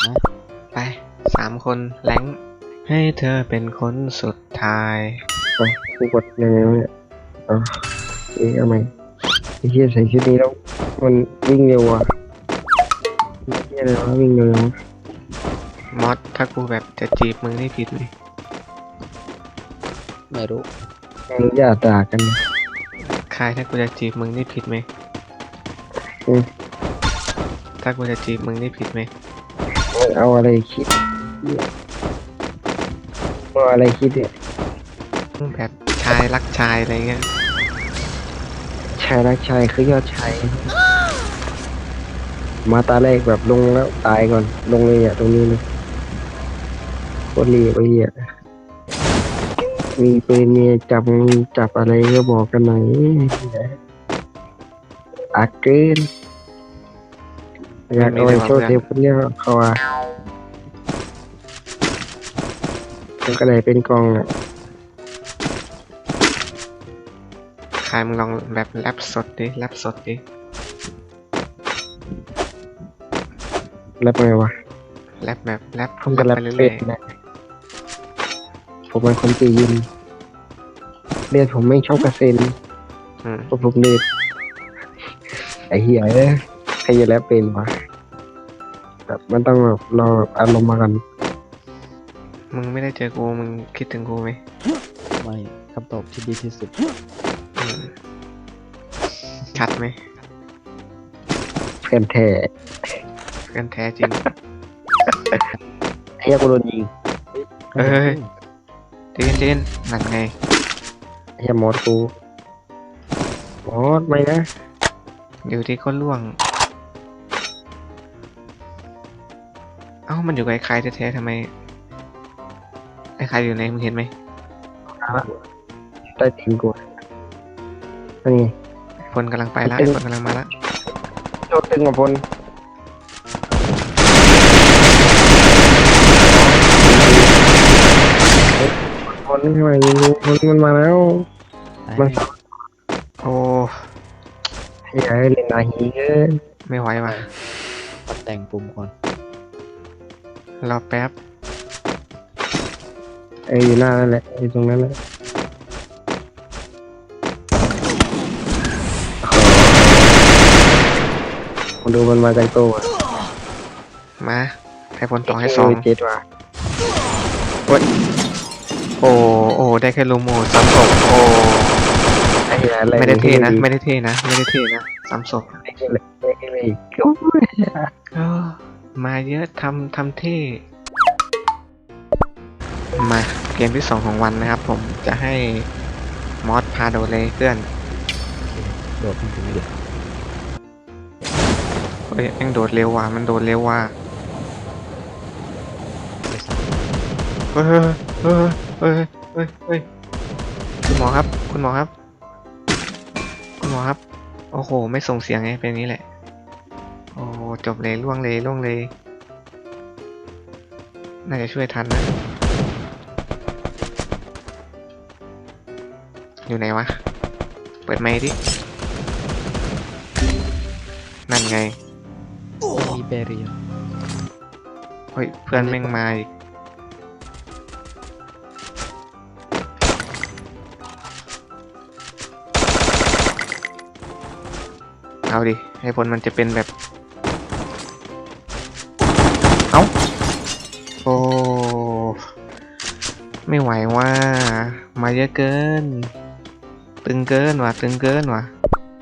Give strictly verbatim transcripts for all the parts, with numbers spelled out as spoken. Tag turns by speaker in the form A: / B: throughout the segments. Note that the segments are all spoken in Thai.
A: ไปสามคนแรงให้เธอเป็นคนสุดท้าย
B: ไปกูกดยังไงวะเนี่ยอ๋อเอ๊ะทำไมไอ้เหี้ยใส่ชุดนี้แล้วมันวิ่งเร็วอ่ะไอ้เหี้ยอะไรวะวิ่งเร็วจังวะ
A: มอสถ้ากูแบบจะจีบมึงนี่ผิดไหม
C: ไม่รู้
B: มึงอย่าด่ากันนะ
A: คายถ้ากูจะจีบมึงนี่ผิดไหม
B: อืม
A: ถ้ากูจะจีบมึงนี่ผิดไหม
B: มึงเอาอะไรคิดเหี้ยมึงเอาอะไรคิดเนี่ย
A: แบบชายรักชายอะไรเงี้ย
B: ชายรักชายคือยอดชายมาตาแรกแบบลงแล้วตายก่อนลงเลยอ่ะตรงนี้เลยโคตรรีบไอ้เหี้ยมีปืนมีจับมีจับอะไรก็บอกกันหน่อยอาเกินอยากเอาไปโชว์เทปคนเนี้ยเขาอ่ะมันก็เลยเป็นกองอ่ะ
A: คายมึงลองแบบแรปสดดิแรปสดดิ
B: แล้วไงวะ
A: แรปแบบแรป
B: ผมก็
A: แร
B: รั
A: ป
B: บ
A: ไป
B: เป็
A: เรื่
B: ด
A: อย
B: นะผมเป็นคนจีนเลือดผมไม่ชอบกระเซ็น
A: ๆอืม
B: เพราะผมเลือดไอ้เหี้ยเอ้ยใครจะแล้วเป็นวะแบบมันต้องแบบรอแบบอารมณ์มากัน
A: มึงไม่ได้เจอกูมึงคิดถึงกูไหม
C: ไม่คำตอบที่ดีที่สุด
A: อืมชัดไหม
B: เพื่อนแท้
A: เพื่อนแท้จริง
B: ไอ้เหี้ยกูโดนยิง
A: เอ้ย เจนเจนนั่นไง
B: ไอ้เหี้ยมอสกูมอสไม่นะ
A: อยู่ที่ก็ล่วง เอ้ามันอยู่กับไอ้ใครแท้ๆทำไมไอ้ใครอยู่ไหนมึงเห็นไหม
B: ใต้ตีนกูนั่นไง
A: พลกำลังไปแล้วไอ้พลกำลังมาแล้ว
B: โชคตึงกับพลพลนี่ทำไมยิงพลมันมาแล้วมัน
A: โอ้
B: ไอ้เหี้ยเล่นนาฮีเกิน
A: ไม่ไหวว่ะ
C: ปัดแต่งปุ่มก่อน
A: รอแป๊บ
B: เอออยู่หน้านั่นแหละอยู่ตรงนั้นแหละผมดูมันมาจากโต๊ะ
A: มาให้พลต่อให้สอง
B: เจ็ดว่ะ
A: โอ้โอ้ได้แค่ลูโมสามศพโอ้
B: ไอ้เหี้ยอะไร
A: ไม่ได้เท่นะ ไม่ได้เท่นะ ไม่ได้เท่นะสามศพ
B: ไอ้เหี้ยอะไรไอ้เหี้ยอะไรก็
A: เออมาเยอะทำทำเท่ มาเกมที่สองของวันนะครับ ผมจะให้มอสพาโดเลยเพื่อน
C: โดดขึ้นถึงไม่เด็ด
A: เฮ้ยแม่งโดดเร็วว่ะมันโดดเร็วว่ะ
C: ไปสาม
A: เฮ้ยเฮ้ยเฮ้ยเฮ้ยเฮ้ยคุณหมอครับ คุณหมอครับ คุณหมอครับ โอ้โห ไม่ส่งเสียงไงเป็นอย่างนี้แหละ โอ้จบเลยล่วงเลยล่วงเลย น่าจะช่วยทันนะ อยู่ไหนวะ เปิดไมค์ดิ นั่นไง
C: มีเบเรีย
A: เฮ้ยเพื่อนแม่งมาอีกเอาดิ ให้ผลมันจะเป็นแบบ เอ้า โอ้ ไม่ไหวว่า มาเยอะเกิน ตึงเกินว่ะ ตึงเกินว่ะ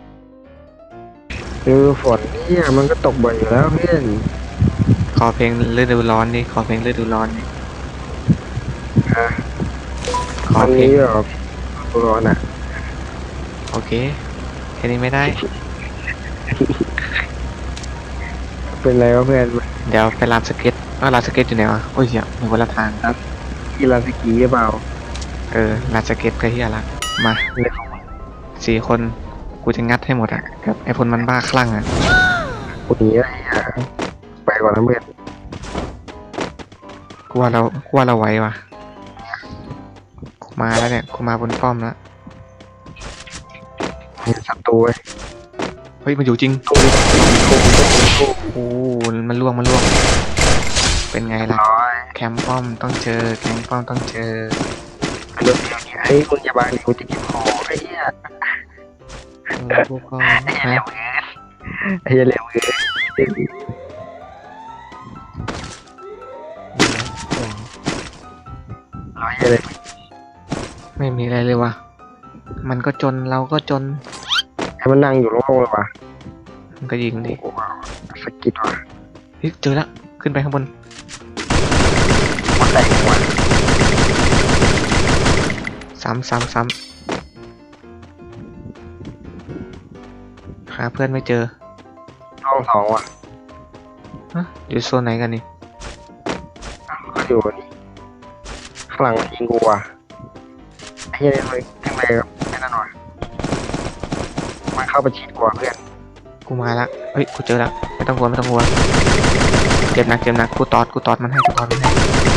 B: คือฝนเนี่ยมันก็ตกบ่อยอยู่แล้วเพื่อน
A: ขอเพลงฤดูร้อนดิ ขอเพลงฤดูร้อนดิขอ
B: มัน
A: เพล
B: นี้
A: ง
B: แบบร้อนอ่ะ
A: โอเค แค่นี้ไม่ได้
B: เป็นไรวะเพื่อน
A: เดี๋ยวไปลานสเก็ตว่าลานสเก็ตอยู่ไหนวะ โอ้ยเหี้ยมีคนละทาง
B: กีฬาสกีหรือเปล่า
A: เออลานสเก็ตก็เฮียละ มา
B: เลย
A: สี่คน กูจะงัดให้หมดอ่ะกับไอ้พลมันบ้าคลั่งอ่ะ
B: กูหนีอะไรอ่ะไปก่อนนะเพื่อน
A: กูว่าเรากูว่าเราไหวว่ะ กูมาแล้วเนี่ย กูมาบนป้อมแล้ว
B: เห็นศัตรูไว้
A: เฮ้ย มันอยู่จริง
B: กูกูกูกู
A: โอ้ มันล่วง มันล่วงเป็นไงล่ะ
B: ร้อย
A: แคมป์ป้อมต้องเจอแคมป์ป้อมต้องเจอ
B: เรื่องเดียวเนี่ยเฮ้ยคุณอย่าบังดิกูจะเก็บของไอ้เหี้ย
C: เออพวกก่อน
B: ไอ้เหี้ยเร็วเกินไอ้เหี้ยเร็วเกิน ร้อยเลย
A: ไม่มีอะไรเลยว่ะมันก็จนเราก็จน
B: ให้มันนั่งอยู่โล่งๆเลยว่ะ
A: มันก็ยิงดิ
B: โอ้โหสะกิดว่ะ
A: เฮ้ยเจอแล้วขึ้นไปข้างบน
B: มันแตกหัว
A: ซ้ำซ้ำซ้ำหาเพื่อนไม่เจอ
B: ห้องสองว่ะ
A: ฮะอยู่โซนไหนกันนี่
B: ก็อยู่นี่ข้างหลังมันยิงกูว่ะไอ้เหี้ยเลยขึ้นไปกับไอ้นั่นว่ะมันเข้าไปฉีดกว่าเพื่อน
A: กูมาละเฮ้ยกูเจอละไม่ต้องกลัวไม่ต้องกลัวเจ็บหนักเจ็บหนักกูตอดกูตอดมันให้กูตอดมันให้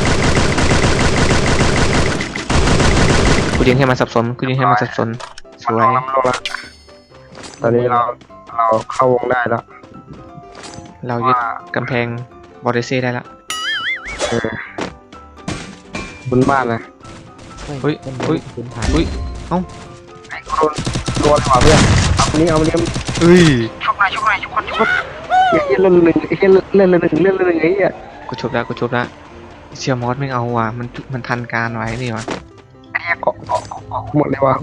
A: กูยิงให้มันสับสนกูยิงให้มันสับสนส
B: มัน
A: ว
B: ล
A: ย
B: งน้ำลงแล้วตอนนี้เราเราเข้าวงได้แล้ว
A: เรายึดกำแพงบอร์เดเซ่ได้ละ
B: เออบนบ้านนะ
A: เฮ้ย
C: ต้น
A: เฮ้ย
C: พื้นฐาน
A: เฮ้ย
B: ไอ้กูโดนโดนเลยว่ะเพื่อนเอาคนนี้เอาคนนี้
A: เอ้ย
B: ชุบหน่อยชุบหน่อยชุบคนชุบคนไอ้เหี้ยเล่นหนึ่งไอ้เหี้ยเล่นหนึ่งเล่นหนึ่งไอ้เหี้ย
A: กูชบละกูชบละเชียร์มอสไม่เอาว่ะมันมันทันการไว้นี่ว่ะ
B: ไอ้เหี้ยเกาะเกาะเกาะเกาะหมดเลยว่ะ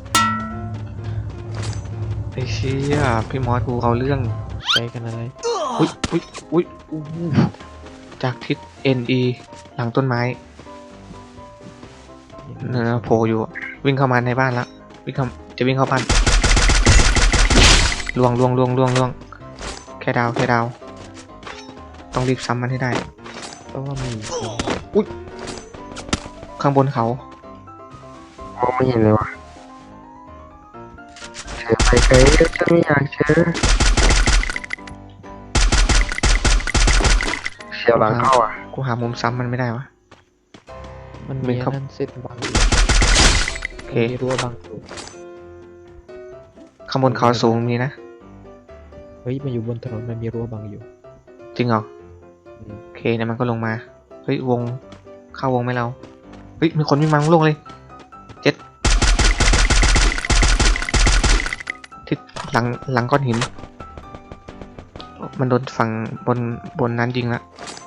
A: ไอ้เชี่ยพี่มอสกูเอาเรื่อง
C: ใจกันอะไร
A: อุ้ยอุ้ยอุ้ยอู้หูจากทิศ เอ็น อี หลังต้นไม้เนอโผล่อยู่อะวิ่งเข้ามาในบ้านละวิ่งเข้าจะวิ่งเข้าบ้านล่วงล่วงล่วงล่วงล่วงแค่ดาวแค่ดาวต้องรีบซ้ำมันให้ได้
C: เพราะว่ามี
A: ข้างบนเขา
B: มองไม่เห็นเลยว่ะเธอไปไกลฉันไม่อยากเจอเสียวหลังเข้าอ่ะ
A: กูหามุมซ้ำมันไม่ได้วะ
C: มัน
A: มี
C: มี
A: ครับ
C: นั่นเส้นบังอยู่
A: โอเค
C: มีรั้วบังอยู่
A: ข้างบนเขาสูงมีนะ
C: เฮ้ยมันอยู่บนถนนมันมีรั้วบังอยู่
A: จริงเหรอ
C: อืม
A: โอเคเนี่ยมันก็ลงมาเฮ้ยวงเข้าวงไหมเราเฮ้ยมีคนวิ่งมาลงเลยเจ็ดทิศหลังหลังก้อนหิน มันโดนฝั่งบนบนนั้นยิงละ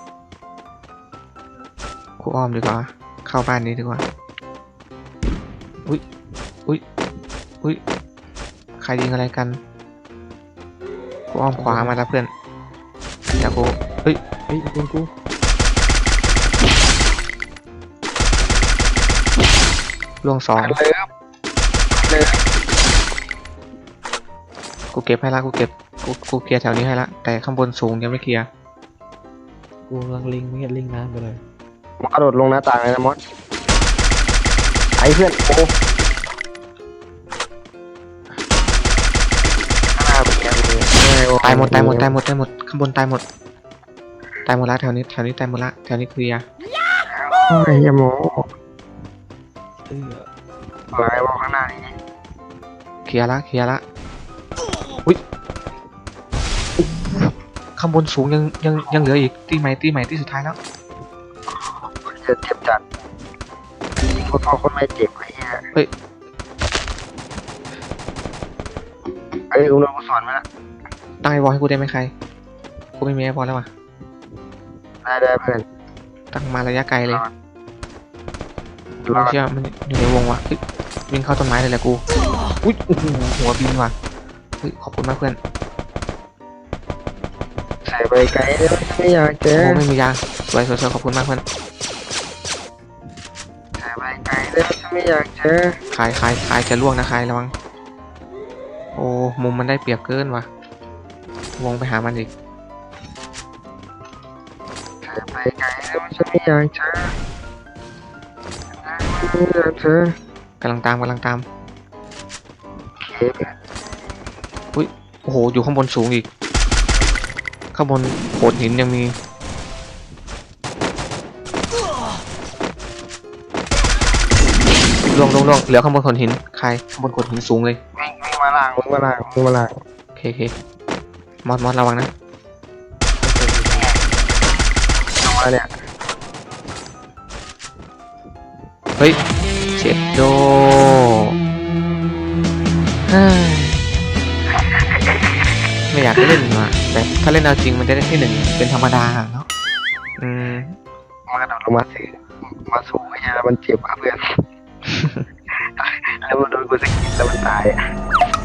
A: กูอ้อมดีกว่าเข้าบ้านนี้ดีกว่าอุ้ยอุ้ยอุ้ยใครยิงอะไรกันกูอ้อมขวามาแล้วเพื่อนเดี๋ยวกูเฮ้ย
C: เฮ้ยคุณกู
A: ล่วงสอง
B: เลิฟเลิฟ
A: กูเก็บให้ละกูเก็บกูกูเคลียร์แถวนี้ให้ละแต่ข้างบนสูงยังไม่เคลียร์
C: กูกำลังลิงไม่เห็นลิงน้ำไปเลย
B: มากระโดดลงหน้าต่างเลยนะมอสไอ้เพื่อนโอ้หน้าเป็นยังไง
A: ตายหมดตายหมดตายหมดตายหมดข้างบนตายหมดตายหมดละแถวนี้แถวนี้ตายหมดละแถวนี้เคลียร์
B: โอ้ยอย่าโม้
C: เออ
B: อะไรวะข้างหน้านี่
A: เคลียร์ละเคลียร์ละอุ้ยข้างบนสูงยังยังยังเหลืออีกตีใหม่ตีใหม่ตีสุดท้ายแล้ว
B: จะเจ็บจัดยิงคนพ่อคนไม่เจ็บไอ้เหี้ย
A: เฮ้ย
B: เอ้ยอุ้งเราสอนมาละ
A: ตั้งไอวอลให้กูได้ไหมใครกูไม่มีไอวอลแล้วว่ะ
B: ได้ได้เพื่อน
A: ตั้งมาระยะไกลเลย
B: ดู
A: เรา
B: แล้ว
A: เชื่อมันอยู่ในวงว่ะเฮ้ยวิ่งเข้าต้นไม้เลยแหละกูอุ้ยโอ้โหหัวบินว่ะเฮ้ยขอบคุณมากเพื่อน
B: ใส่ไปไกลแล้วไม่อยากเจ
A: โอ้
B: อ
A: โหไม่มียาสวยสวยสวยขอบคุณมากเพื่อน
B: ใส่ไปไกลแล้วไม่อยากเจอ
A: ขายขายขายจะล่วงนะขายระวังโอ้มุมมันได้เปรียบเกินว่ะวงไปหามันอีก
B: ใส่ไปไกลแล้วไม่อยากเจอไม่อยากเจอก
A: ำลังตามกำลังตาม
B: เคเพื่อน
A: โอ้โหอยู่ข้างบนสูงอีกข้างบนโขดหินยังมีล่วงล่วงล่วงเหลือข้างบนโขดหินใครข้างบนโขดหินสูงเลย
B: วิ่งวิ่งมาล่างวิ่งมาล่างวิ่งมาล่าง
A: โอเคโอเคมอสมอสระวังนะ
B: ลงมาเนี่ย
A: เฮ้ยเจ็ดโดเฮ้ยไม่อยากเล่นว่ะแต่ถ้าเล่นเอาจริงมันจะได้ที่หนึ่งเป็นธรรมดาเนาะอืม
B: มันกระโดดลงมาสิมาสูงไอ้เหี้ยมันเจ็บอ่ะเพื่อน แล้วมันโดนกูสะกิดแล้วมันตายอ่ะ